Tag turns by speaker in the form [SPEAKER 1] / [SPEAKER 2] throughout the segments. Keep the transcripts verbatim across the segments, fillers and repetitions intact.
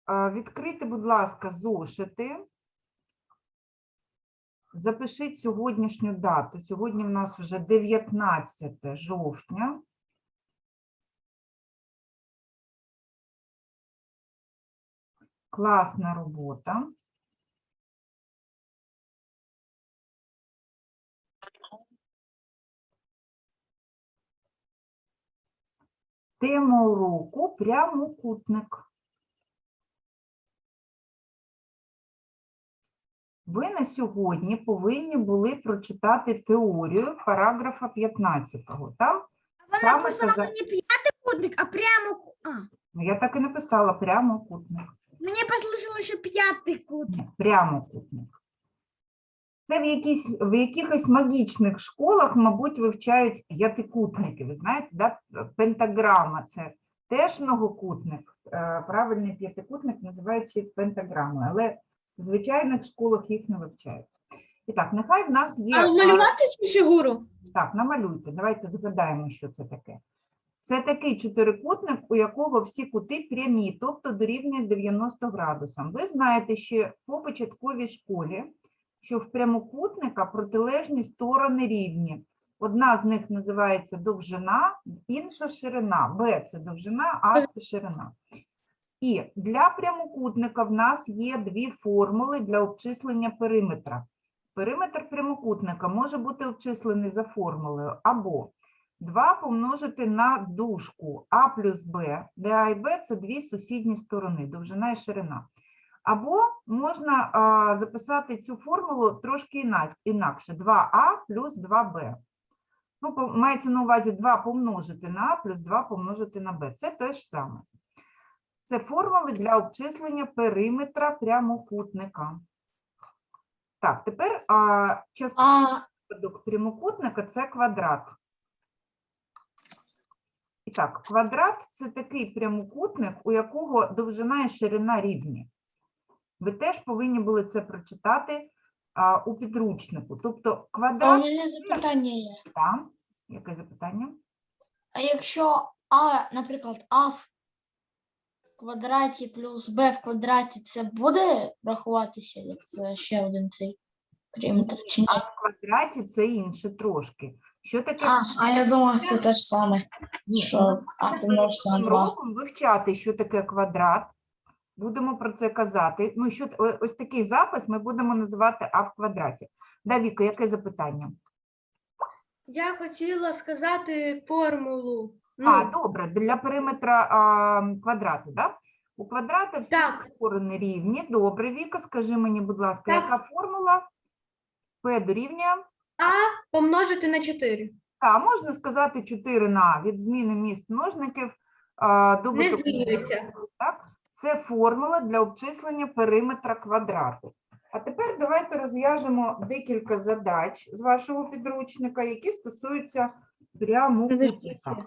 [SPEAKER 1] Відкрийте, будь ласка, зошити. Запишіть сьогоднішню дату. Сьогодні в нас вже дев'ятнадцяте жовтня. Класна робота. Тема уроку – прямокутник. Ви на сьогодні повинні були прочитати теорію параграфа п'ятнадцятого. Там
[SPEAKER 2] Вона
[SPEAKER 1] саме
[SPEAKER 2] писала
[SPEAKER 1] каза-
[SPEAKER 2] не п'ятикутник, а прямо. А,
[SPEAKER 1] Ну, я так і написала прямокутник.
[SPEAKER 2] мені послышало, що п'ятикутник.
[SPEAKER 1] Ні, прямокутник. Це в, якісь, в якихось магічних школах, мабуть, вивчають п'ятикутники. Ви знаєте, да? Пентаграма – це теж многокутник. Е, Правильний п'ятикутник називають пентаграмою, але в звичайних школах їх не вивчають. І так, нехай в нас є...
[SPEAKER 2] А малювати цю фігуру?
[SPEAKER 1] Так, намалюйте. Давайте згадаємо, що це таке. Це такий чотирикутник, у якого всі кути прямі, тобто дорівнюють дев'яноста градусам. Ви знаєте ще по початковій школі, що в прямокутника протилежні сторони рівні. Одна з них називається довжина, інша ширина. Б – це довжина, А – це ширина. І для прямокутника в нас є дві формули для обчислення периметра. Периметр прямокутника може бути обчислений за формулою або два помножити на дужку А плюс Б, де А і Б – це дві сусідні сторони, довжина і ширина. Або можна а, записати цю формулу трошки інак, інакше. два А плюс два Б. Ну, по- мається на увазі два помножити на А плюс два помножити на Б. Це те ж саме. Це формули для обчислення периметра прямокутника. Так, тепер а, частина
[SPEAKER 2] А,
[SPEAKER 1] прямокутника – це квадрат. І так, квадрат – це такий прямокутник, у якого довжина і ширина рівні. Ви теж повинні були це прочитати а, у підручнику. Тобто
[SPEAKER 3] А у
[SPEAKER 1] квадрат…
[SPEAKER 3] мене запитання є.
[SPEAKER 1] Там. Яке запитання?
[SPEAKER 3] А якщо А, наприклад, А в квадраті плюс Б в квадраті, це буде рахуватися як це ще один цей периметр чи ні?
[SPEAKER 1] А в квадраті це інше трошки. Що таке?
[SPEAKER 3] А, а я думав, це те ж саме,
[SPEAKER 1] Ні,
[SPEAKER 3] що
[SPEAKER 1] ми
[SPEAKER 3] А
[SPEAKER 1] будемо
[SPEAKER 3] помножити на
[SPEAKER 1] перед
[SPEAKER 3] два.
[SPEAKER 1] роком вивчати, що таке квадрат. Будемо про це казати. Ну, що, о- ось такий запис ми будемо називати А в квадраті. Да, Віка, яке запитання?
[SPEAKER 4] Я хотіла сказати формулу.
[SPEAKER 1] А,
[SPEAKER 4] Ну,
[SPEAKER 1] добре, для периметра а, квадрату, да? У квадрата всі
[SPEAKER 4] Так.
[SPEAKER 1] сторони рівні. Добре, Віка, скажи мені, будь ласка,
[SPEAKER 4] Так.
[SPEAKER 1] яка формула? P дорівнює?
[SPEAKER 4] А помножити на чотири.
[SPEAKER 1] Так, можна сказати чотири на А, від зміни міст множників а,
[SPEAKER 4] Не
[SPEAKER 1] добуток.
[SPEAKER 4] змінюється.
[SPEAKER 1] Так? Це формула для обчислення периметра квадрату. А тепер давайте розв'яжемо декілька задач з вашого підручника, які стосуються прямокутника.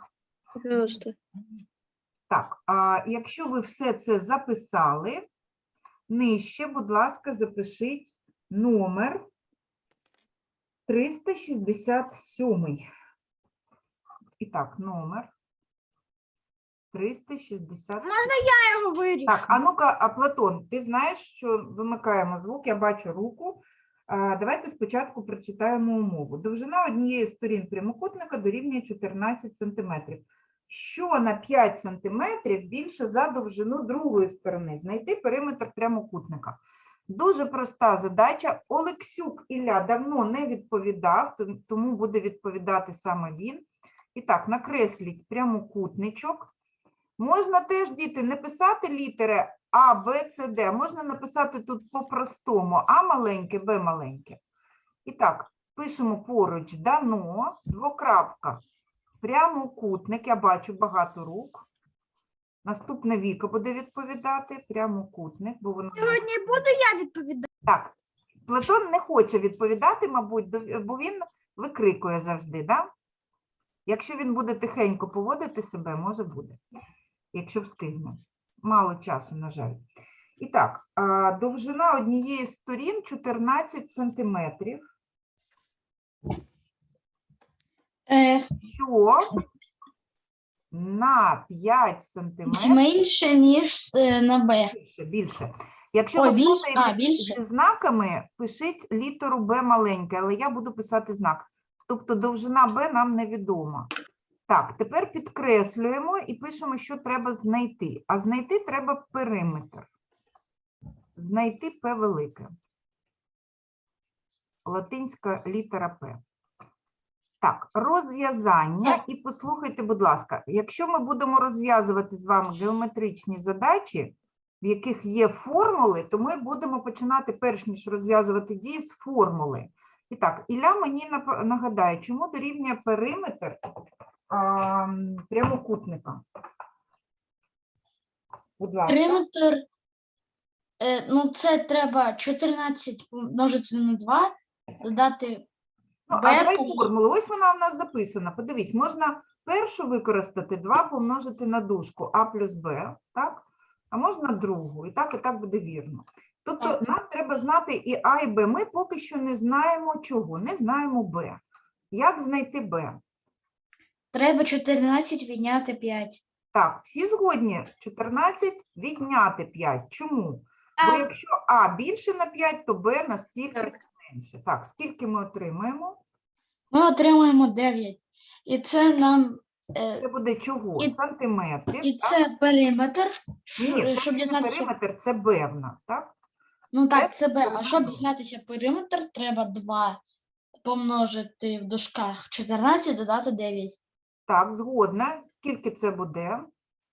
[SPEAKER 1] Так, а якщо ви все це записали, нижче, будь ласка, запишіть номер триста шістдесят сім. І так, номер триста шістдесят сім.
[SPEAKER 2] можна я його вирішу?
[SPEAKER 1] Так, а ну-ка, а Платон, ти знаєш, що вимикаємо звук, я бачу руку. А, давайте спочатку прочитаємо умову. Довжина однієї з сторін прямокутника дорівнює чотирнадцять сантиметрів. Що на п'ять сантиметрів більше за довжину другої сторони? Знайти периметр прямокутника. Дуже проста задача. Олексюк Ілля давно не відповідав, то- тому буде відповідати саме він. І так, накресліть прямокутничок. Можна теж, діти, не писати літери А, Б, С, Д. Можна написати тут по-простому А маленьке, Б маленьке. І так, пишемо поруч дано, двокрапка, прямокутник. Я бачу багато рук. Наступна Віка буде відповідати. Прямокутник, бо вона...
[SPEAKER 2] Сьогодні буду я відповідати.
[SPEAKER 1] Так, Платон не хоче відповідати, мабуть, до- бо він викрикує завжди, да? Якщо він буде тихенько поводити себе, може буде, якщо встигне. Мало часу, на жаль. І так, а, довжина однієї з сторін чотирнадцять сантиметрів.
[SPEAKER 3] Е,
[SPEAKER 1] Що на п'ять сантиметрів.
[SPEAKER 3] Менше, ніж е, на Б.
[SPEAKER 1] Більше, більше. Якщо
[SPEAKER 3] Ой,
[SPEAKER 1] ви
[SPEAKER 3] більше?
[SPEAKER 1] плутаєте
[SPEAKER 3] А, більше.
[SPEAKER 1] зі знаками, пишіть літеру Б маленьке, але я буду писати знак. Тобто довжина Б нам невідома. Так, тепер підкреслюємо і пишемо, що треба знайти. А знайти треба периметр. Знайти П велике. Латинська літера П. Так, розв'язання. І послухайте, будь ласка, якщо ми будемо розв'язувати з вами геометричні задачі, в яких є формули, то ми будемо починати, перш ніж розв'язувати дії, з формули. І так, Ілля мені нап- нагадає, чому дорівнює периметр а, прямокутника? Будь ласка.
[SPEAKER 3] Периметр, е, ну це треба чотирнадцять помножити на два, додати
[SPEAKER 1] Ну, а
[SPEAKER 3] Б.
[SPEAKER 1] давай
[SPEAKER 3] пом-
[SPEAKER 1] формулу. Ось вона у нас записана. Подивись, можна першу використати два помножити на дужку А плюс Б, так? А можна другу. І так, і так буде вірно. Тобто
[SPEAKER 3] Так.
[SPEAKER 1] нам треба знати і А, і Б. Ми поки що не знаємо чого, не знаємо Б. Як знайти Б?
[SPEAKER 3] Треба чотирнадцять відняти п'ять.
[SPEAKER 1] Так, всі згодні? чотирнадцять відняти п'ять. Чому? Бо
[SPEAKER 4] Так.
[SPEAKER 1] якщо А більше на п'ять, то Б настільки
[SPEAKER 4] Так.
[SPEAKER 1] менше. Так, скільки ми отримаємо?
[SPEAKER 3] Ми отримуємо дев'ять. І це нам, е,
[SPEAKER 1] Це буде чого?
[SPEAKER 3] І-
[SPEAKER 1] Сантиметрів.
[SPEAKER 3] і
[SPEAKER 1] так?
[SPEAKER 3] це периметр,
[SPEAKER 1] Ні, ні,
[SPEAKER 3] Ш-
[SPEAKER 1] це
[SPEAKER 3] щоб
[SPEAKER 1] не
[SPEAKER 3] дізнатися.
[SPEAKER 1] периметр, це Б в нас, так?
[SPEAKER 3] Ну
[SPEAKER 1] Це
[SPEAKER 3] так, це Б. А
[SPEAKER 1] сторона
[SPEAKER 3] щоб
[SPEAKER 1] Б.
[SPEAKER 3] дізнатися периметр, треба два помножити в дужках чотирнадцять, додати дев'ять.
[SPEAKER 1] Так, згодна. Скільки це буде?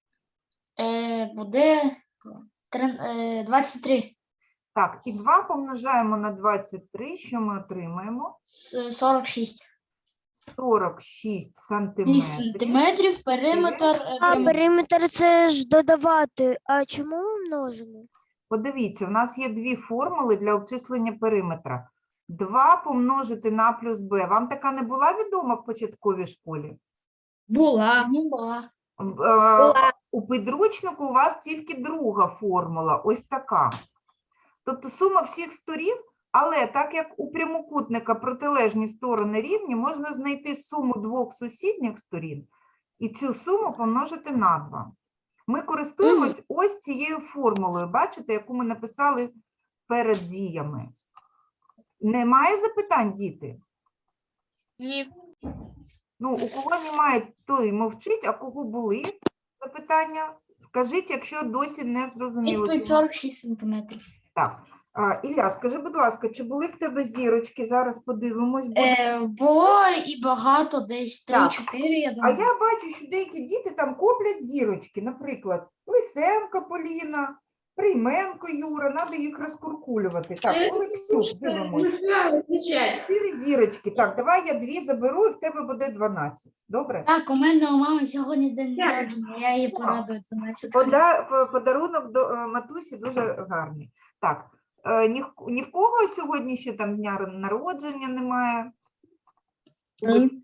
[SPEAKER 3] Е, буде три- е, двадцять три.
[SPEAKER 1] Так, і два помножаємо на двадцять три, що ми отримаємо?
[SPEAKER 3] С- сорок шість.
[SPEAKER 1] сорок шість
[SPEAKER 3] шість
[SPEAKER 1] сантиметрів.
[SPEAKER 3] сантиметрів, периметр. е,
[SPEAKER 2] А
[SPEAKER 3] прям-
[SPEAKER 2] периметр це ж додавати. А чому ми множимо?
[SPEAKER 1] Подивіться, у нас є дві формули для обчислення периметра. два помножити на А плюс Б. Вам така не була відома в початковій школі?
[SPEAKER 2] Була.
[SPEAKER 3] Мені була.
[SPEAKER 1] В, е, У підручнику у вас тільки друга формула, ось така. Тобто сума всіх сторін, але так як у прямокутника протилежні сторони рівні, можна знайти суму двох сусідніх сторін і цю суму помножити на два. Ми користуємось ось цією формулою, бачите, яку ми написали перед діями. Немає запитань, діти?
[SPEAKER 2] Ні.
[SPEAKER 1] Ну, у кого немає, той мовчить, а кого були запитання, скажіть, якщо досі не зрозуміло.
[SPEAKER 3] Відповідь сорок шість сантиметрів.
[SPEAKER 1] Так, а, Ілля, скажи, будь ласка, чи були в тебе зірочки? Зараз подивимось. буде.
[SPEAKER 3] Е, було і багато, десь
[SPEAKER 1] Так.
[SPEAKER 3] три-чотири, я
[SPEAKER 1] А
[SPEAKER 3] думаю.
[SPEAKER 1] я бачу, що деякі діти там коплять зірочки, наприклад, Лисенко Поліна, Прийменко Юра, треба їх розкуркулювати. Так, Олексюк, дивимось. Чотири зірочки. Так, давай я дві заберу, і в тебе буде дванадцять. Добре?
[SPEAKER 3] Так, у мене у мами сьогодні день народження, я її порадую дванадцять.
[SPEAKER 1] Пода, по- подарунок до е, матусі дуже гарний. Так, е, ні, в- ні в кого сьогодні ще там дня народження немає.
[SPEAKER 3] Ні.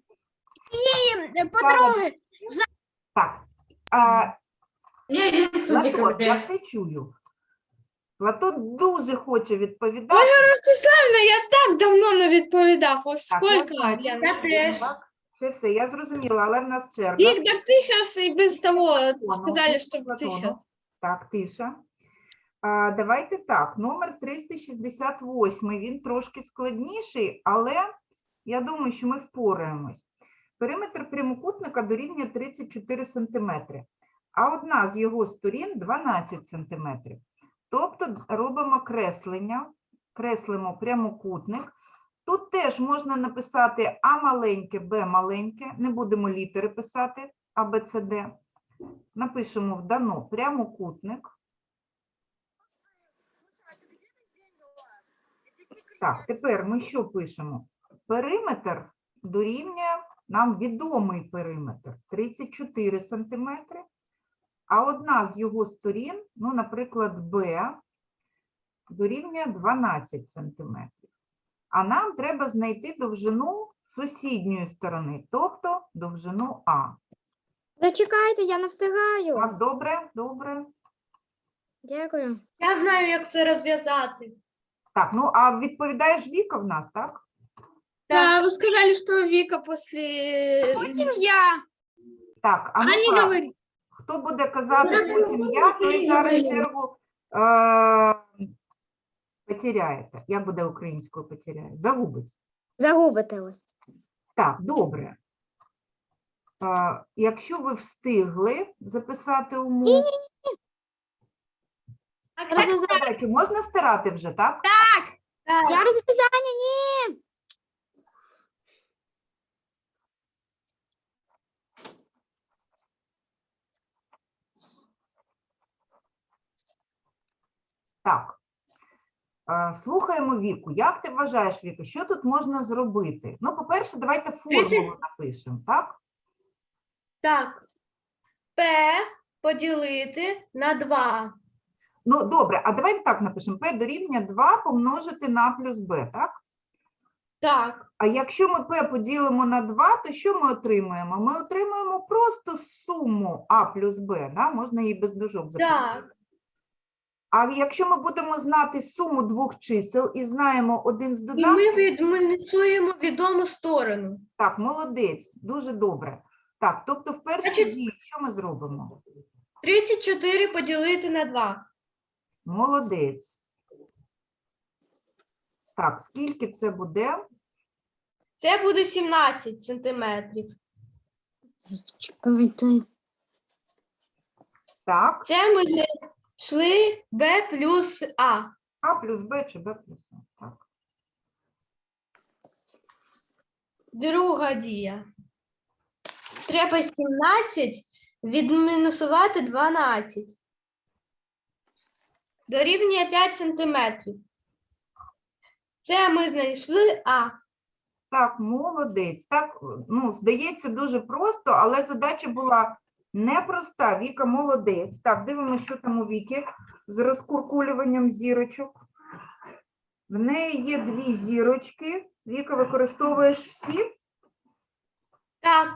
[SPEAKER 2] Подруги.
[SPEAKER 1] Так, а, Платон, я все чую. Платон дуже хоче відповідати.
[SPEAKER 2] Ростиславівна, я так давно не відповідав. Ось
[SPEAKER 1] Так, я
[SPEAKER 2] скільки.
[SPEAKER 1] знаю,
[SPEAKER 2] я
[SPEAKER 1] це
[SPEAKER 2] не-
[SPEAKER 4] Я теж.
[SPEAKER 1] так, Це все, я зрозуміла, але в нас черга.
[SPEAKER 2] Вік, так ти зараз і без того
[SPEAKER 1] Платону,
[SPEAKER 2] сказали, що
[SPEAKER 1] Платону.
[SPEAKER 2] ти зараз.
[SPEAKER 1] Так, тиша. А, давайте так, номер триста шістдесят вісім, він трошки складніший, але я думаю, що ми впораємось. Периметр прямокутника дорівнює тридцять чотири сантиметри, а одна з його сторін дванадцять сантиметрів. Тобто робимо креслення, креслимо прямокутник. Тут теж можна написати А маленьке, Б маленьке, не будемо літери писати, А, Б, С, Д. Напишемо в дано прямокутник. Так, тепер ми що пишемо? Периметр дорівнює, нам відомий периметр, тридцять чотири сантиметри, а одна з його сторін, ну, наприклад, Б, дорівнює дванадцять сантиметрів. А нам треба знайти довжину сусідньої сторони, тобто довжину А.
[SPEAKER 2] Зачекайте, я не встигаю.
[SPEAKER 1] Так, добре, добре.
[SPEAKER 2] Дякую.
[SPEAKER 4] Я знаю, як це розв'язати.
[SPEAKER 1] Так, ну, а відповідаєш Віка в нас, так?
[SPEAKER 2] Да, вы сказали, что Вика после... Потім я.
[SPEAKER 1] Так, а
[SPEAKER 5] А не
[SPEAKER 1] ну-ка,
[SPEAKER 5] говори.
[SPEAKER 1] хто буде казати потім я, той зараз чергу е, потеряєте. Як буде українською потеряє? Загубить.
[SPEAKER 2] Загубите ви.
[SPEAKER 1] Так, добре. Е, якщо ви встигли записати умову, так, задачу можна стирати вже, так?
[SPEAKER 2] Я розв'язання, ні.
[SPEAKER 1] Так. Е, Слухаємо Віку. Як ти вважаєш, Віка, що тут можна зробити? Ну, по-перше, давайте формулу напишемо, так?
[SPEAKER 4] Так. P поділити на два.
[SPEAKER 1] Ну, добре, а давайте так напишемо. P дорівнює два помножити на плюс b, так?
[SPEAKER 4] Так.
[SPEAKER 1] А якщо ми P поділимо на два, то що ми отримаємо? Ми отримаємо просто суму А плюс Б, да? Можна її без дужок записати.
[SPEAKER 4] Так.
[SPEAKER 1] А якщо ми будемо знати суму двох чисел і знаємо один з
[SPEAKER 4] І
[SPEAKER 1] додатків,
[SPEAKER 4] ми відмінусуємо відому сторону.
[SPEAKER 1] так, молодець, дуже добре. Так, тобто в першій
[SPEAKER 4] Значить-
[SPEAKER 1] дії що ми зробимо?
[SPEAKER 4] тридцять чотири поділити на два.
[SPEAKER 1] Молодець. Так, скільки це буде?
[SPEAKER 4] Це буде сімнадцять сантиметрів.
[SPEAKER 2] Чекайте.
[SPEAKER 1] Так,
[SPEAKER 4] Це ми знайшли B плюс А.
[SPEAKER 1] А плюс Б чи Б плюс А. Так.
[SPEAKER 4] Друга дія. Треба сімнадцять відмінусувати дванадцять. Дорівнює п'ять сантиметрів. Це ми знайшли А.
[SPEAKER 1] Так, молодець. Так, ну, здається, дуже просто, але задача була непроста. Віка молодець. Так, дивимося, що там у Віки з розкуркулюванням зірочок. В неї є дві зірочки. Віка, використовуєш всі?
[SPEAKER 4] Так.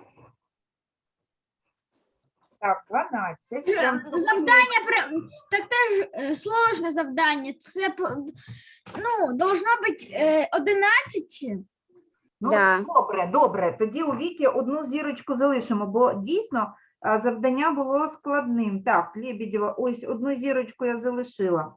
[SPEAKER 1] Так, дванадцять. Прям супер.
[SPEAKER 5] Завдання про- так теж е, сложне завдання. Це по- ну, должно бути е, одинадцять.
[SPEAKER 1] Ну,
[SPEAKER 2] Да.
[SPEAKER 1] добре, добре. Тоді у Віки одну зірочку залишимо, бо дійсно а, завдання було складним. Так, Лебедєва, ось одну зірочку я залишила.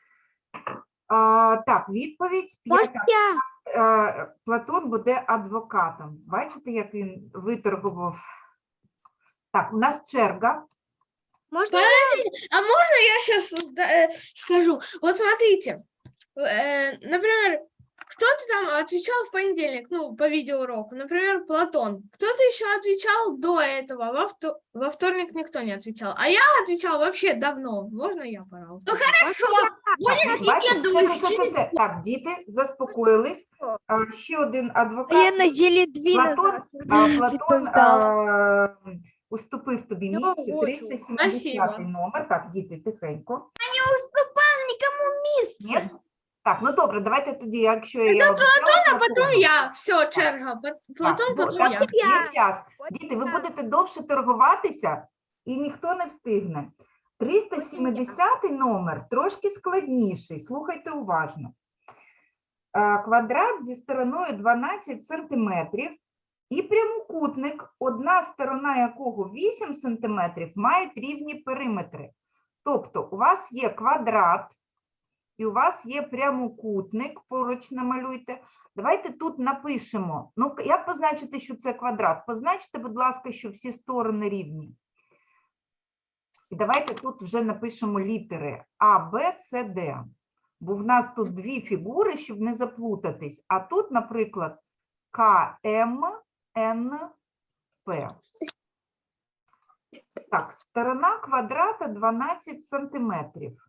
[SPEAKER 1] А, так, відповідь.
[SPEAKER 2] Можна
[SPEAKER 1] П'ята.
[SPEAKER 2] я?
[SPEAKER 1] Е, Платон буде адвокатом. Бачите, як він виторгував? Так, у нас черга.
[SPEAKER 2] Можна я?
[SPEAKER 5] А можно я сейчас скажу? Вот смотрите, э, например, кто-то там отвечал в понедельник, ну, по видеоуроку, например, Платон. Кто-то еще отвечал до этого, во, вто- во вторник никто не отвечал. А я отвечал вообще давно. Можно я, пожалуйста? Ну, хорошо.
[SPEAKER 1] Так, ну, бачиш, все, все, все, все. Так, діти, заспокоїлись. А, ще один адвокат.
[SPEAKER 2] Я неділі дві
[SPEAKER 1] Платон,
[SPEAKER 2] назад
[SPEAKER 1] а, Платон
[SPEAKER 2] відповідала.
[SPEAKER 1] а, уступив тобі
[SPEAKER 2] Я
[SPEAKER 1] місце,
[SPEAKER 2] хочу.
[SPEAKER 1] триста сімдесятий
[SPEAKER 5] Спасибо.
[SPEAKER 1] номер. Так, діти, тихенько.
[SPEAKER 5] Не уступал никому месте.
[SPEAKER 1] Ні? Так, ну добре, давайте тоді, якщо я обіцяла,
[SPEAKER 5] А потом
[SPEAKER 1] Платону.
[SPEAKER 5] я. Все, черга. Пот- Платон,
[SPEAKER 1] Так, ну,
[SPEAKER 5] потом
[SPEAKER 1] так,
[SPEAKER 5] я.
[SPEAKER 1] є час. Діти, ви будете довше торгуватися, і ніхто не встигне. триста сімдесятий номер трошки складніший, слухайте уважно. Е, Квадрат зі стороною дванадцять сантиметрів і прямокутник, одна сторона якого вісім сантиметрів, мають рівні периметри. Тобто у вас є квадрат, і у вас є прямокутник, поруч намалюйте. Давайте тут напишемо. Ну, як позначити, що це квадрат? Позначте, будь ласка, що всі сторони рівні. І давайте тут вже напишемо літери А, Б, С, Д. Бо в нас тут дві фігури, щоб не заплутатись. А тут, наприклад, К, М, Н, П. Так, сторона квадрата дванадцять сантиметрів.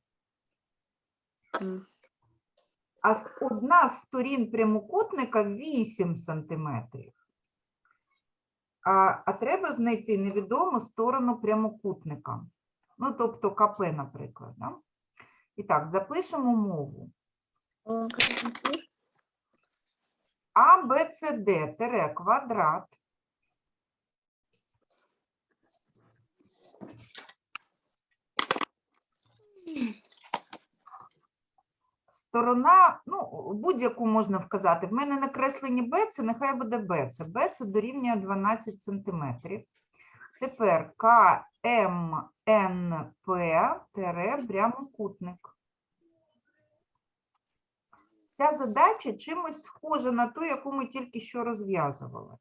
[SPEAKER 1] А с- одна з сторін прямокутника вісім сантиметрів. А, а треба знайти невідому сторону прямокутника. Ну, тобто КП, наприклад. Да? І так, запишемо мову. А, Б, С, Д, тире, квадрат. Сторона, ну, будь-яку можна вказати. В мене накреслені Б, це нехай буде Б. Це Б, це дорівнює дванадцять сантиметрів. Тепер ка ем ен пе тире прямокутник. Ця задача чимось схожа на ту, яку ми тільки що розв'язували.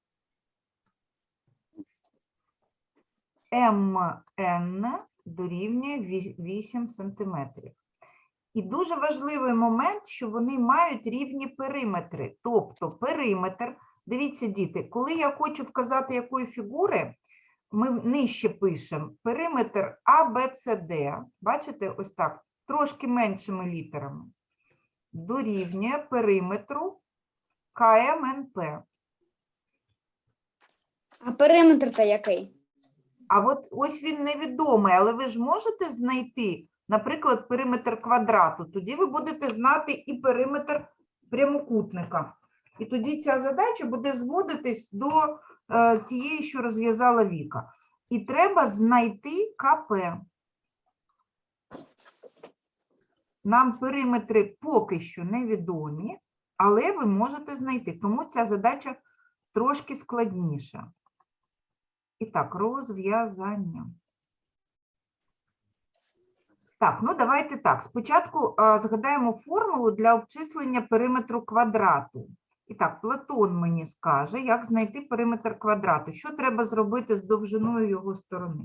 [SPEAKER 1] ем ен дорівнює вісім сантиметрів. І дуже важливий момент, що вони мають рівні периметри. Тобто периметр, дивіться, діти, коли я хочу вказати якої фігури, ми нижче пишемо периметр а бе це де, бачите, ось так, трошки меншими літерами, дорівнює периметру ка ем ен пе.
[SPEAKER 6] А периметр-то який?
[SPEAKER 1] А от ось він невідомий, але ви ж можете знайти, наприклад, периметр квадрату. Тоді ви будете знати і периметр прямокутника. І тоді ця задача буде зводитись до е, тієї, що розв'язала Віка. І треба знайти ка пе. Нам периметри поки що невідомі, але ви можете знайти. Тому ця задача трошки складніша. І так, розв'язання. Так, ну давайте так. Спочатку а, згадаємо формулу для обчислення периметру квадрату. І так, Платон мені скаже, як знайти периметр квадрату. Що треба зробити з довжиною його сторони?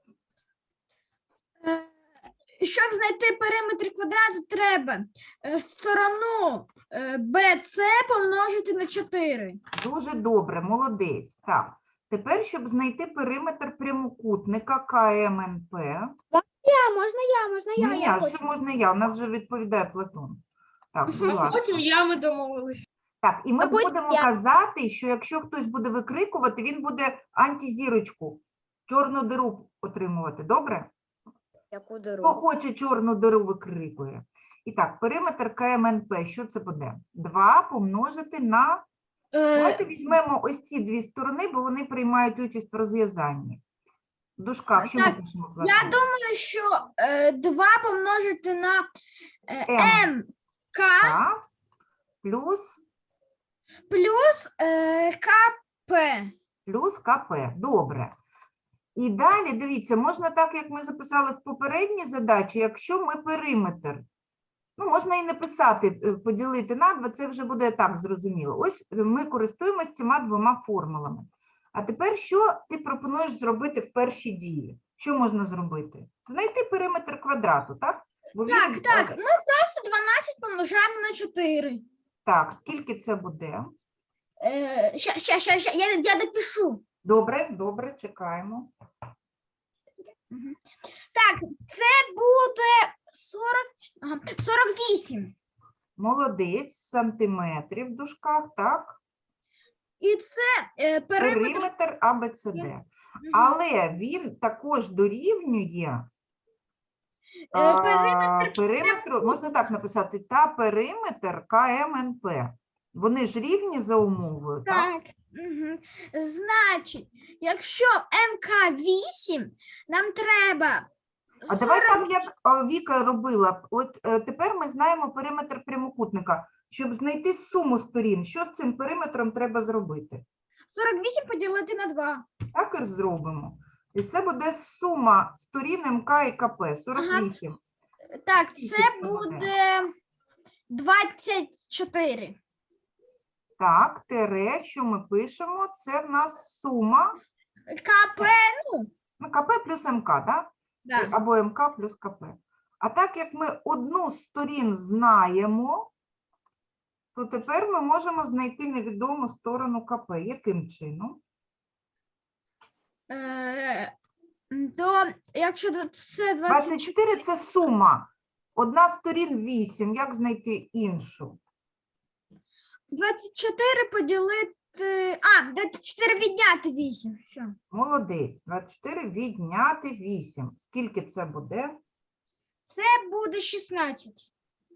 [SPEAKER 5] Е, Щоб знайти периметр квадрату, треба е, сторону е, бе це помножити на чотири.
[SPEAKER 1] Дуже добре, молодець. Так, тепер, щоб знайти периметр прямокутника ка ем ен пе.
[SPEAKER 6] Я, можна я, можна я,
[SPEAKER 1] Ні,
[SPEAKER 6] я
[SPEAKER 1] а що
[SPEAKER 6] хочу.
[SPEAKER 1] можна я? У нас вже відповідає Платон. Так, будь
[SPEAKER 5] А
[SPEAKER 1] ласка.
[SPEAKER 5] потім я ми домовилися.
[SPEAKER 1] Так, і ми
[SPEAKER 6] А потім
[SPEAKER 1] будемо
[SPEAKER 6] я-
[SPEAKER 1] казати, що якщо хтось буде викрикувати, він буде антизірочку, чорну диру отримувати. Добре?
[SPEAKER 6] Яку
[SPEAKER 1] Хто
[SPEAKER 6] дорогу?
[SPEAKER 1] хоче чорну диру, викрикує. І так, периметр ка ем ен пе, що це буде? два помножити на... Давайте
[SPEAKER 5] Е,
[SPEAKER 1] візьмемо ось ці дві сторони, бо вони приймають участь в розв'язанні. В дужках, що ми
[SPEAKER 5] Так,
[SPEAKER 1] пишемо?
[SPEAKER 5] я
[SPEAKER 1] Платон?
[SPEAKER 5] думаю, що е, два помножити на е,
[SPEAKER 1] М.
[SPEAKER 5] ем ка
[SPEAKER 1] Так, плюс,
[SPEAKER 5] плюс е, ка пе.
[SPEAKER 1] плюс ка пе. Добре. І далі, дивіться, можна так, як ми записали в попередній задачі, якщо ми периметр. Ну, можна і написати, е, поділити на два, це вже буде так зрозуміло. Ось е, ми користуємося цими двома формулами. А тепер що ти пропонуєш зробити в першій дії? Що можна зробити? Знайти периметр квадрату, так? Бо він,
[SPEAKER 5] Так,
[SPEAKER 1] е,
[SPEAKER 5] так, ми просто дванадцять помножаємо на чотири.
[SPEAKER 1] Так, скільки це буде?
[SPEAKER 5] Е, ща, ща, ща, ща, я, я допишу.
[SPEAKER 1] Добре, добре, чекаємо.
[SPEAKER 5] Так, це буде сорок, ага, сорок вісім.
[SPEAKER 1] Молодець, сантиметрів в дужках, так?
[SPEAKER 5] І це е, периметр.
[SPEAKER 1] Периметр а бе це де.
[SPEAKER 5] Мгм.
[SPEAKER 1] Але він також дорівнює
[SPEAKER 5] Е,
[SPEAKER 1] а,
[SPEAKER 5] периметр
[SPEAKER 1] периметру, можна так написати, та периметр ка ем ен пе. Вони ж рівні за умовою, так?
[SPEAKER 5] Так. Угу. Значить, якщо ем ка вісім, нам треба.
[SPEAKER 1] А давай так, як а, Віка робила. От е, тепер ми знаємо периметр прямокутника. Щоб знайти суму сторін, що з цим периметром треба зробити?
[SPEAKER 5] сорок вісім поділити на два.
[SPEAKER 1] Так і зробимо. І це буде сума сторін ем ка і ка пе, сорок вісім.
[SPEAKER 5] Так,
[SPEAKER 1] Скільки
[SPEAKER 5] це
[SPEAKER 1] це буде?
[SPEAKER 5] буде двадцять чотири.
[SPEAKER 1] Так, тире, що ми пишемо, це в нас сума
[SPEAKER 5] КП,
[SPEAKER 1] ну, ка пе плюс ем ка, так?
[SPEAKER 5] да.
[SPEAKER 1] Або ем ка плюс ка пе. А так як ми одну з сторін знаємо, то тепер ми можемо знайти невідому сторону ка пе. Яким чином?
[SPEAKER 5] Е, то якщо це двадцять
[SPEAKER 1] двадцять чотири – це сума. Одна з сторін вісім. Як знайти іншу?
[SPEAKER 5] двадцять чотири поділити. А, двадцять чотири відняти вісім. Що?
[SPEAKER 1] Молодець. двадцять чотири відняти вісім. Скільки це буде?
[SPEAKER 5] Це буде шістнадцять.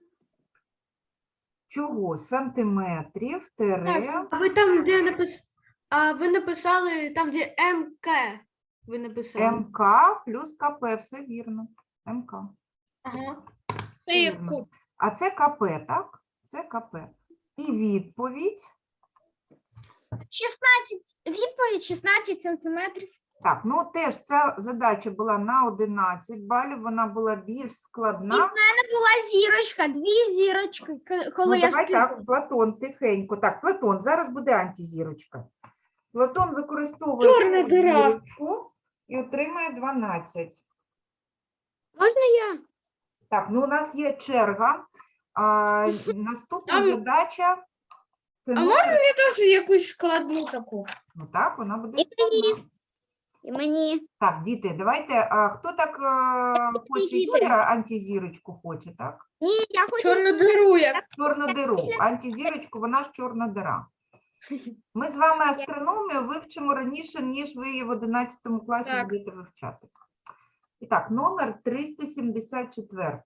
[SPEAKER 1] Чого? Сантиметрів, тире.
[SPEAKER 5] Так,
[SPEAKER 4] А ви там, де напис... а ви написали там, де ем ка, ви написали.
[SPEAKER 1] ем ка плюс ка пе, все вірно. ем ка.
[SPEAKER 4] Ага.
[SPEAKER 5] Це як
[SPEAKER 1] Вірно.
[SPEAKER 5] куб.
[SPEAKER 1] А це ка пе, так? Це ка пе. І відповідь.
[SPEAKER 5] шістнадцять. Відповідь шістнадцять сантиметрів.
[SPEAKER 1] Так, ну теж ця задача була на одинадцять балів, вона була більш складна.
[SPEAKER 6] Була зірочка, дві зірочки, к- коли
[SPEAKER 1] Ну,
[SPEAKER 6] я
[SPEAKER 1] давай
[SPEAKER 6] скидала.
[SPEAKER 1] так, Платон, тихенько. Так, Платон, зараз буде антизірочка. Платон використовує
[SPEAKER 5] Чорна
[SPEAKER 1] свою
[SPEAKER 5] діра.
[SPEAKER 1] зірочку і отримає дванадцять.
[SPEAKER 6] Можна я?
[SPEAKER 1] Так, ну у нас є черга. А, наступна
[SPEAKER 5] Там-
[SPEAKER 1] задача. Це
[SPEAKER 5] А
[SPEAKER 1] номер-
[SPEAKER 5] можна мені теж якусь складну таку?
[SPEAKER 1] Ну так, вона буде
[SPEAKER 6] І мені.
[SPEAKER 1] складна.
[SPEAKER 6] І мені.
[SPEAKER 1] Так, діти, давайте. А, хто так а, хоче?
[SPEAKER 6] діти.
[SPEAKER 1] Юля антизірочку хоче, так?
[SPEAKER 6] Ні, я хочу.
[SPEAKER 5] Чорну диру як.
[SPEAKER 1] Чорну диру. Антизірочку, вона ж чорна дира. Ми з вами астрономію вивчимо раніше, ніж ви її в одинадцятому класі
[SPEAKER 5] Так.
[SPEAKER 1] будете вивчати. І так, номер триста сімдесят чотири.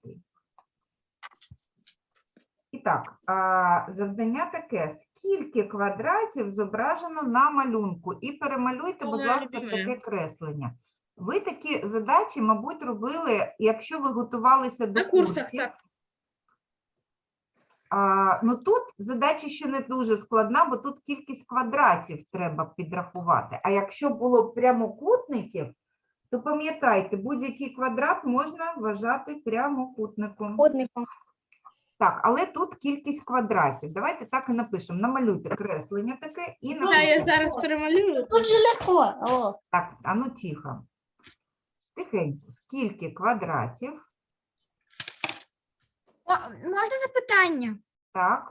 [SPEAKER 1] І так, а, завдання таке. Скільки квадратів зображено на малюнку? І перемалюйте, будь
[SPEAKER 5] Моя
[SPEAKER 1] ласка,
[SPEAKER 5] любима.
[SPEAKER 1] таке креслення. Ви такі задачі, мабуть, робили, якщо ви готувалися до
[SPEAKER 5] На курсах,
[SPEAKER 1] курсів.
[SPEAKER 5] так.
[SPEAKER 1] А, ну тут задача ще не дуже складна, бо тут кількість квадратів треба підрахувати. А якщо було прямокутників, то пам'ятайте, будь-який квадрат можна вважати прямокутником.
[SPEAKER 6] Одником.
[SPEAKER 1] Так, але тут кількість квадратів. Давайте так і напишемо. Намалюйте креслення таке і
[SPEAKER 5] Да,
[SPEAKER 1] напишемо.
[SPEAKER 5] я зараз перемалюю.
[SPEAKER 3] Тут же легко. О,
[SPEAKER 1] Так, а ну тихо. Тихенько. Скільки квадратів?
[SPEAKER 6] Можна запитання?
[SPEAKER 1] Так.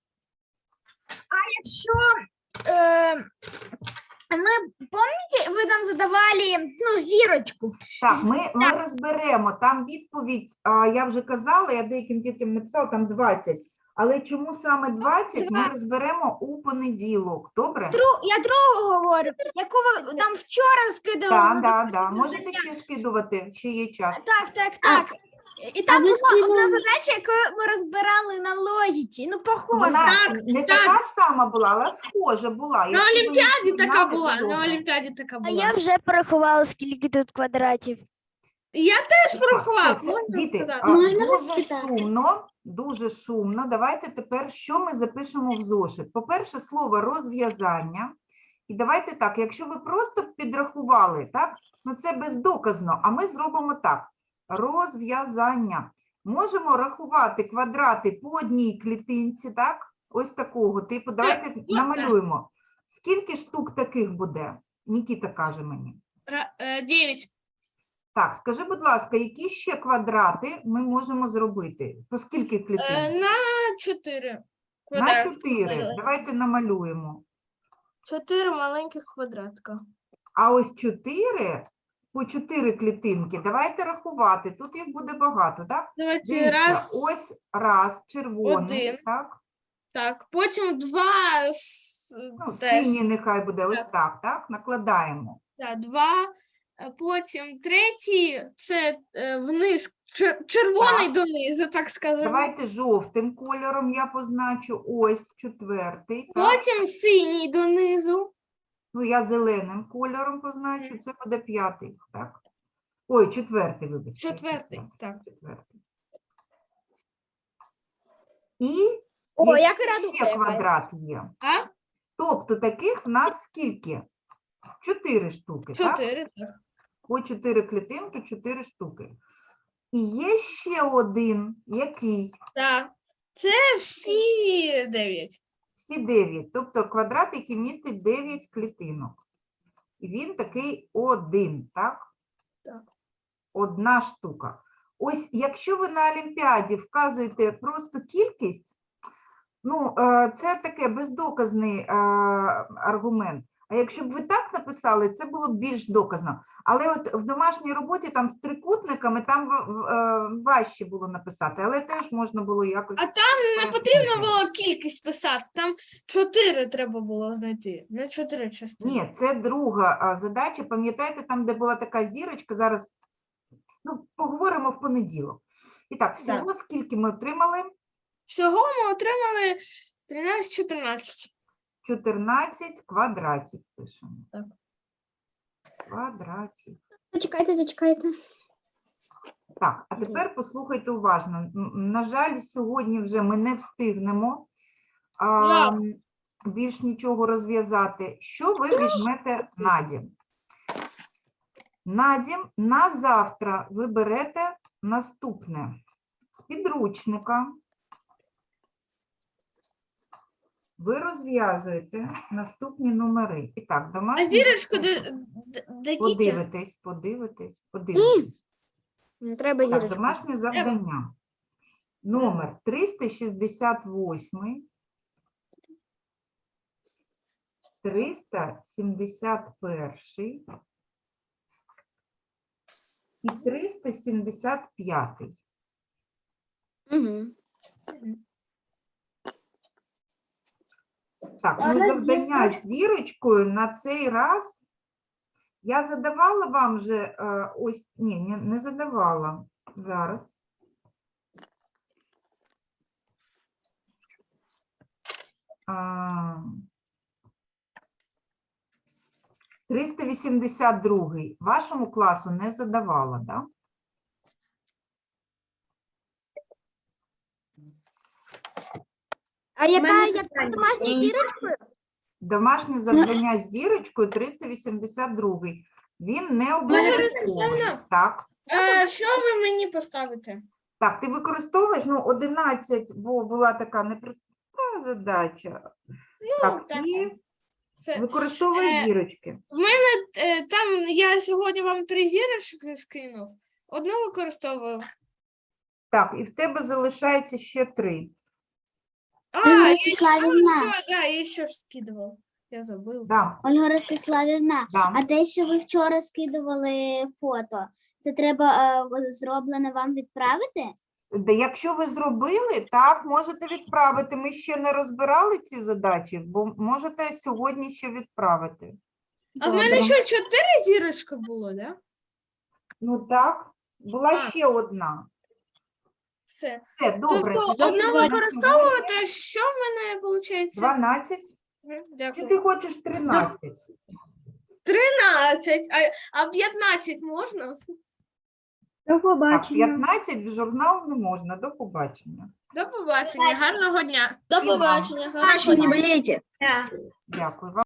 [SPEAKER 6] Якщо е, ми, пам'ятаєте, ви нам задавали ну, зірочку.
[SPEAKER 1] Так, ми, ми розберемо. Там відповідь, а, я вже казала, я деяким дітям написала, там двадцять. Але чому саме двадцять, ми розберемо у понеділок. Добре?
[SPEAKER 6] Дру, я другу говорю, яку ви там вчора скидували.
[SPEAKER 1] Так,
[SPEAKER 6] на
[SPEAKER 1] так,
[SPEAKER 6] допустим,
[SPEAKER 1] так. Можете
[SPEAKER 6] задання.
[SPEAKER 1] ще скидувати, ще є час.
[SPEAKER 6] Так, так, так. І там була одна задача, яку ми розбирали на логіці. Ну, похоже.
[SPEAKER 1] Вона
[SPEAKER 5] Так,
[SPEAKER 1] не
[SPEAKER 5] так.
[SPEAKER 1] така сама була, але схожа була.
[SPEAKER 5] На
[SPEAKER 1] Якщо ви
[SPEAKER 5] Олімпіаді
[SPEAKER 1] не
[SPEAKER 5] така
[SPEAKER 1] знали,
[SPEAKER 5] була.
[SPEAKER 1] то
[SPEAKER 5] На
[SPEAKER 1] добре.
[SPEAKER 5] Олімпіаді така
[SPEAKER 2] А
[SPEAKER 5] була.
[SPEAKER 2] я вже порахувала, скільки тут квадратів.
[SPEAKER 5] Я теж
[SPEAKER 1] Так,
[SPEAKER 5] порахував.
[SPEAKER 1] все, це-
[SPEAKER 5] Можна
[SPEAKER 1] Діти,
[SPEAKER 5] сказати?
[SPEAKER 1] а,
[SPEAKER 6] Можна вас
[SPEAKER 1] дуже
[SPEAKER 6] спитати?
[SPEAKER 1] шумно, дуже шумно. Давайте тепер, що ми запишемо в зошит? По-перше, слово розв'язання. І давайте так, якщо ви просто підрахували, так, ну це бездоказно, а ми зробимо так. Розв'язання. Можемо рахувати квадрати по одній клітинці, так? Ось такого типу. Давайте
[SPEAKER 5] так.
[SPEAKER 1] намалюємо. Скільки штук таких буде? Нікіта каже мені.
[SPEAKER 5] Ра- е, Дев'ять.
[SPEAKER 1] Так, скажи, будь ласка, які ще квадрати ми можемо зробити? По скільки клітин?
[SPEAKER 5] Е, На чотири.
[SPEAKER 1] На
[SPEAKER 5] квадрат.
[SPEAKER 1] чотири. Давайте намалюємо.
[SPEAKER 5] Чотири маленьких квадратка.
[SPEAKER 1] А ось чотири, по чотири клітинки, давайте рахувати. Тут їх буде багато, так?
[SPEAKER 5] Давайте
[SPEAKER 1] Дивіться,
[SPEAKER 5] раз.
[SPEAKER 1] ось раз, червоний,
[SPEAKER 5] Один.
[SPEAKER 1] так?
[SPEAKER 5] Так, потім два. с-
[SPEAKER 1] Ну,
[SPEAKER 5] теж.
[SPEAKER 1] синій нехай буде ось
[SPEAKER 5] Так.
[SPEAKER 1] так, так? Накладаємо.
[SPEAKER 5] Так, два. е, Потім третій, це е, вниз, чер- червоний
[SPEAKER 1] Так.
[SPEAKER 5] донизу, так скажемо.
[SPEAKER 1] Давайте жовтим кольором я позначу. Ось четвертий, так?
[SPEAKER 5] Потім синій донизу.
[SPEAKER 1] Ну, я зеленим кольором позначу, це буде п'ятий, так? Ой, четвертий, вибачте.
[SPEAKER 5] Четвертий, так.
[SPEAKER 1] Четвертий. І
[SPEAKER 6] О,
[SPEAKER 1] який
[SPEAKER 6] як і радуга
[SPEAKER 1] ще
[SPEAKER 6] якась.
[SPEAKER 1] квадрат є.
[SPEAKER 5] А?
[SPEAKER 1] Тобто таких в нас скільки? Чотири штуки, так?
[SPEAKER 5] Чотири. Так.
[SPEAKER 1] По чотири клітинки, чотири штуки. І є ще один, який?
[SPEAKER 5] Так. Це всі дев'ять.
[SPEAKER 1] Всі дев'ять. Тобто квадрат, який містить дев'ять клітинок. І він такий один, так?
[SPEAKER 5] Так.
[SPEAKER 1] Одна штука. Ось якщо ви на Олімпіаді вказуєте просто кількість, ну, е, це таке бездоказний е, аргумент. А якщо б ви так написали, це було б більш доказно. Але от в домашній роботі там з трикутниками там в- в- е, важче було написати, але теж можна було якось.
[SPEAKER 5] А там не потрібно було кількість писати, там чотири треба було знайти, не чотири частини.
[SPEAKER 1] Ні, це друга а, задача. Пам'ятаєте, там, де була така зірочка, зараз ну, поговоримо в понеділок. І так, всього скільки ми отримали?
[SPEAKER 5] Всього ми отримали тринадцять-чотирнадцять.
[SPEAKER 1] чотирнадцять квадратів пишемо.
[SPEAKER 5] Так.
[SPEAKER 1] Квадратів.
[SPEAKER 6] Зачекайте, зачекайте.
[SPEAKER 1] Так, а тепер послухайте уважно. М, На жаль, сьогодні вже ми не встигнемо а,
[SPEAKER 5] Як?
[SPEAKER 1] більш нічого розв'язати. Що ви візьмете на дім? Надім, на завтра ви берете наступне. З підручника ви розв'язуєте наступні номери. І так,
[SPEAKER 5] А
[SPEAKER 1] домашнє
[SPEAKER 5] зірочку
[SPEAKER 1] завдання.
[SPEAKER 5] до, до, дадите?
[SPEAKER 1] Подивитись, подивитись, подивитись.
[SPEAKER 2] Не треба
[SPEAKER 1] Так,
[SPEAKER 2] зірочку.
[SPEAKER 1] домашнє завдання. Номер триста шістдесят восьмий, триста сімдесят перший і триста сімдесят п'ятий.
[SPEAKER 2] Угу.
[SPEAKER 1] Так, ну завдання з зірочкою на цей раз я задавала вам вже е, ось, ні, не, не задавала зараз. А, триста вісімдесят другий вашому класу не задавала, так? Да?
[SPEAKER 6] А яка,
[SPEAKER 4] мене
[SPEAKER 6] яка
[SPEAKER 4] питання.
[SPEAKER 6] домашня зірочка?
[SPEAKER 1] Домашнє завдання з зірочкою триста вісімдесят другий. Він не обов'язковий.
[SPEAKER 5] Ростиславівна.
[SPEAKER 1] Так.
[SPEAKER 5] А, що ви мені поставите?
[SPEAKER 1] Так, ти використовуєш, ну, одинадцять, бо була така непроста задача.
[SPEAKER 5] Ну,
[SPEAKER 1] Так,
[SPEAKER 5] так.
[SPEAKER 1] і
[SPEAKER 5] Це.
[SPEAKER 1] використовуєш
[SPEAKER 5] Е,
[SPEAKER 1] зірочки.
[SPEAKER 5] В мене е, там я сьогодні вам три зірочки скинув. Одну використовую.
[SPEAKER 1] Так, і в тебе залишається ще три.
[SPEAKER 5] А,
[SPEAKER 6] Ольга
[SPEAKER 5] я
[SPEAKER 6] Ростиславівна,
[SPEAKER 5] ще, да, я ще ж скидував. Я забив.
[SPEAKER 1] Да,
[SPEAKER 6] Ольга Ростиславівна,
[SPEAKER 1] да.
[SPEAKER 6] а те, що ви вчора скидували фото, це треба е, зроблене вам відправити?
[SPEAKER 1] Де якщо ви зробили, так, можете відправити. Ми ще не розбирали ці задачі, бо можете сьогодні ще відправити.
[SPEAKER 5] А в мене що, чотири зірочки було, да?
[SPEAKER 1] Ну так, була
[SPEAKER 5] А.
[SPEAKER 1] ще одна.
[SPEAKER 5] Все.
[SPEAKER 1] Все, добре.
[SPEAKER 5] Тобто
[SPEAKER 1] тоді
[SPEAKER 5] одну
[SPEAKER 1] на
[SPEAKER 5] використовувати, що в мене виходить?
[SPEAKER 1] дванадцять. Чи
[SPEAKER 5] Дякую.
[SPEAKER 1] ти хочеш тринадцять?
[SPEAKER 5] тринадцять, а, а п'ятнадцять можна?
[SPEAKER 4] До
[SPEAKER 1] Так, п'ятнадцять в журнал не можна. До побачення.
[SPEAKER 5] До побачення, гарного дня.
[SPEAKER 1] До побачення,
[SPEAKER 6] Бачення, болейте.
[SPEAKER 1] Дякую вам.